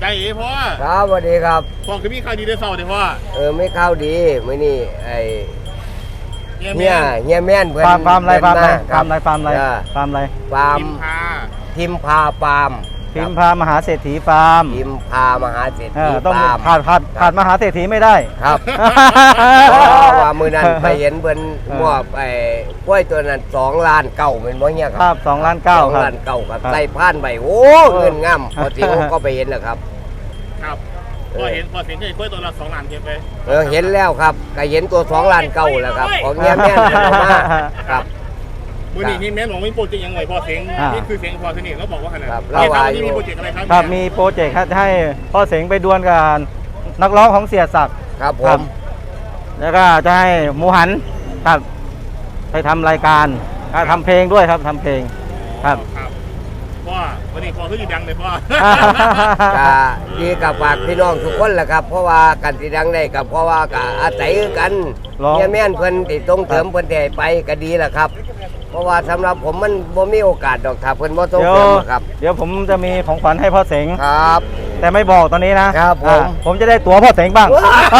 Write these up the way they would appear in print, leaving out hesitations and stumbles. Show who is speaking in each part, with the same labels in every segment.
Speaker 1: เอ๋พ่อ
Speaker 2: ครับสวัสดีครับ
Speaker 1: พ่อคือมีข่าวดีได้เศร้าเดี๋ยวพ่อ
Speaker 2: ไม่เข้าดีมื้อนี้ไอ้
Speaker 1: เฮีย
Speaker 2: แม่นเพิ่น
Speaker 3: ฟาร์มอะไรฟาร์มอะไรฟาร์มอะไรฟาร์มอะไรฟาร์มอะไร
Speaker 2: ฟาร์มทิมพาฟาร์ม
Speaker 3: พิมพามหาเศรษฐีฟาร์ม
Speaker 2: ทิมพามหาเศรษฐี
Speaker 3: ต้อง
Speaker 2: ฟาร์ม
Speaker 3: ขาดมหาเศรษฐีไม่ได้
Speaker 2: ครับว่ามื้อนั้นไปเห็นเพิ่นมอบไอ้กล้วยตัวนั้น2 ล้านเก้าเป็นบ่เฮีย
Speaker 3: ครับ2 ล้าน9
Speaker 2: 2 ล้าน9ครับใส่พานใบโอ้เงินงามพอสิก็ไปเห็นแล้วครับ
Speaker 1: ครับพอเห็นได้กล้วยตัวละ2 ล้านเก็บไป
Speaker 2: เห็นแล้วครับก็เห็นตัว2 ล้านเก้าแล้วครับของเฮียแม่นมาครับ
Speaker 1: มือนี้นี่แม่หลวงมีโปรเจกต์ยังไงพ่อเสียงนี่คือเสียงพ่อที่นี่แล้วบอกว่าขนาดนี้มีโปรเจกต์อะไรครับ
Speaker 3: ครับมีโปรเจกต์ให้พ่อเสียงไปดวลกับนักร้องของเสียศักดิ์
Speaker 2: ครับผม
Speaker 3: แล้วก็จะให้หมูหันครับไปทำรายการทำเพลงด้วยครับทำเพลงครับ
Speaker 1: พ่อวันนี้พ่อคือดังเลยพ่อ
Speaker 2: ก็ดีกับฝากพี่น้องทุกคนแหละครับเพราะว่ากันที่ดังได้กับเพราะว่าก็อาศัยกันเนี่ยแม่นเพิ่นติดตรงเติมเพิ่นได้ไปก็ดีแหละครับเพราะว่าสำหรับผมมันบ่มีโอกาสดอกถ้าเพิ่นบ่ส่งเสริมครับ
Speaker 3: เดี๋ยวผมจะมีของขวัญให้พ่อเสง
Speaker 2: ครับ
Speaker 3: แต่ไม่บอกตอนนี้นะครับผมจะได้ตั๋วพ่อเสงบ้าง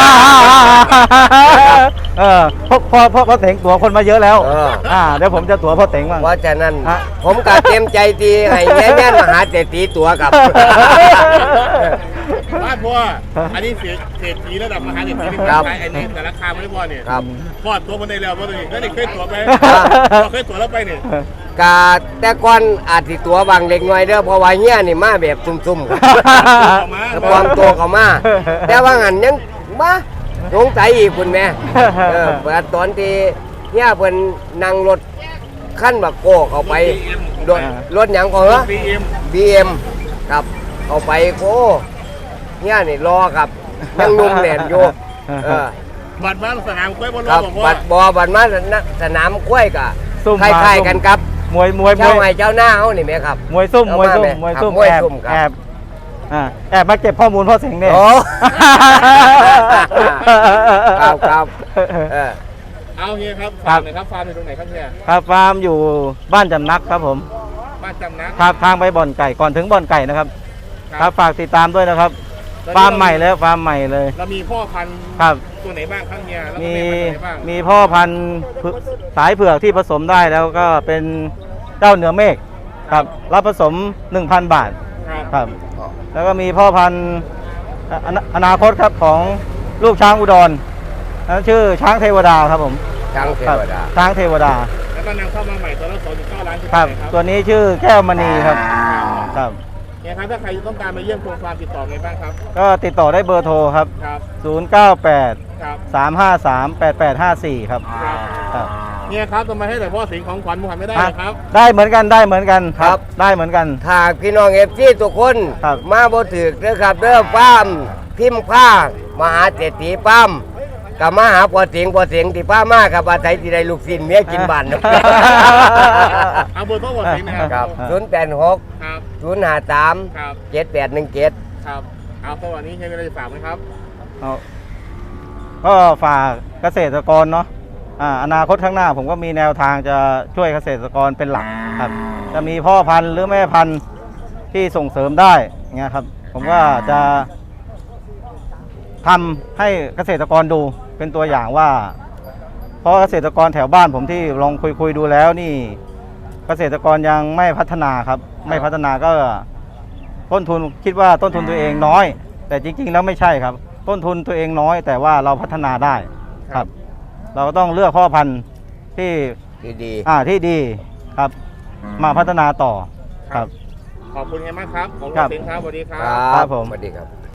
Speaker 3: พ่อเสงตั๋วคนมาเยอะแล้วเดี๋ยวผมจะตั๋วพ่อเสงบ้าง
Speaker 2: เพราะฉะนั้นผมก็เต็มใจตีให้แม่นมหาเศรษฐีตั๋วครับ
Speaker 1: บ้านพ่ออันนี้เศรษฐีระดับมหาเศรษฐีนี่ขายไอ้นี่แต่ราคาไม่ได้พ่อเนี่ยพ่อตัวมันได้แล้วพ่อตัวนี้แล้วนี่เคยตั๋วไปเคยตั๋วแล้วไปเนี่ย
Speaker 2: กาแต่ก่อนอาจสิตั๋วบางเล็กน้อยเด้อเพราะว่าเฮียนี่มาแบบซุ่มๆครับความตัวเขามาแต่ว่างั้นยังมาสงสัยอีกคุณแม่ตอนที่เฮียเพิ่นนั่งรถขั้นบักโก้เข้าไปรถหยังก่อนเหรอ BM ครับเข้าไปโอ้เฮียนี่รอครับยังนุ่มแน่นอยู่
Speaker 1: บัตรมาสนามกล้วยบนรถ
Speaker 2: บัตรมาสนามกล้วยกะคล้ายๆกันครับ
Speaker 3: มวย
Speaker 2: เจ้าไห้เจ้าหน้าเขานี่ไหมครับ
Speaker 3: มวยซุ่มแอบมาเก็บข้อมูลพ่อเสงเนี่ย
Speaker 2: ครับ
Speaker 1: เอาเฮียครับฟาร์มไหนครับฟาร์มอยู่ตรงไหนครับเฮีย
Speaker 3: ครับฟาร์มอยู่บ้านจำนักครับผม
Speaker 1: บ้านจำนัก
Speaker 3: ครับทางไปบ่อนไก่ก่อนถึงบ่อนไก่นะครับครับฝากติดตามด้วยนะครับฟาร์มใหม่แล้วฟาร์มใหม่เลย
Speaker 1: เรามีพ่อพันธุ์
Speaker 3: ครับ
Speaker 1: ตัวไหนบ้างครับเฮีย
Speaker 3: มีพ่อพันธุ์สายเผือกที่ผสมได้แล้วก็เป็นเจ้าเหนือเมฆครับรับผสม 1,000 บาทครับแล้วก็มีพ่อพันธุ์อนาคตครับของลูกช้างอุดรชื่อช้างเทวดาครับผม
Speaker 2: ช้างเทวดา
Speaker 1: แล้วก็นำเข้ามาใหม่ตัวละ2.9 ล้าน
Speaker 3: ครับตัวนี้ชื่อแก้วมณีครับ
Speaker 1: เนี่ยครับถ้าใครต้องการมาเยี่ยมโครงฟาร์มติดต่อไงบ้างครับ
Speaker 3: ก็ติดต่อได้เบอร์โทรครับ098 353 8854ครับ
Speaker 1: เนี่ยครับทำไมให้แต่พ่อสิงของขวัญมูฮันไม่ได้ครับ
Speaker 3: ได้เหมือนกันครับได้เหมือนกัน
Speaker 2: ถ้าพี่น้องFCทุกคนมาบ่ถึกเด้อครับเด้อฟาร์มพิมพ์ผ้ามหาเศรษฐีฟาร์มกับมาหาพ่อเสียงที่ป้ามากับอาศัยที่ได้ลูกศิษย์เมียกินบ้าน
Speaker 1: เอาเบอร์โทรพ่อเสียง
Speaker 2: นะครับ086 053 7817
Speaker 1: ครับเอาสวัสดีใช้เวลาฝากไหมครับ
Speaker 3: ก็ฝากเกษตรกรเนาะอนาคตข้างหน้าผมก็มีแนวทางจะช่วยเกษตรกรเป็นหลักครับจะมีพ่อพันธุ์หรือแม่พันธุ์ที่ส่งเสริมได้เงี้ยครับผมก็จะทำให้เกษตรกรดูเป็นตัวอย่างว่าเพราะเกษตรกรแถวบ้านผมที่ลองคุยดูแล้วนี่เกษตรกรยังไม่พัฒนาครับไม่พัฒนาก็ต้นทุนคิดว่าต้นทุนตัวเองน้อยแต่จริงๆแล้วไม่ใช่ครับต้นทุนตัวเองน้อยแต่ว่าเราพัฒนาได้ครับเราต้องเลือกพ่อพันธุ์ที่
Speaker 2: ดี
Speaker 3: ที่ดีครับมาพัฒนาต่อครับ
Speaker 1: ขอบคุณมากครับขอบคุณครับสวัสดีครับ
Speaker 2: ครับผมสวัสดีครับ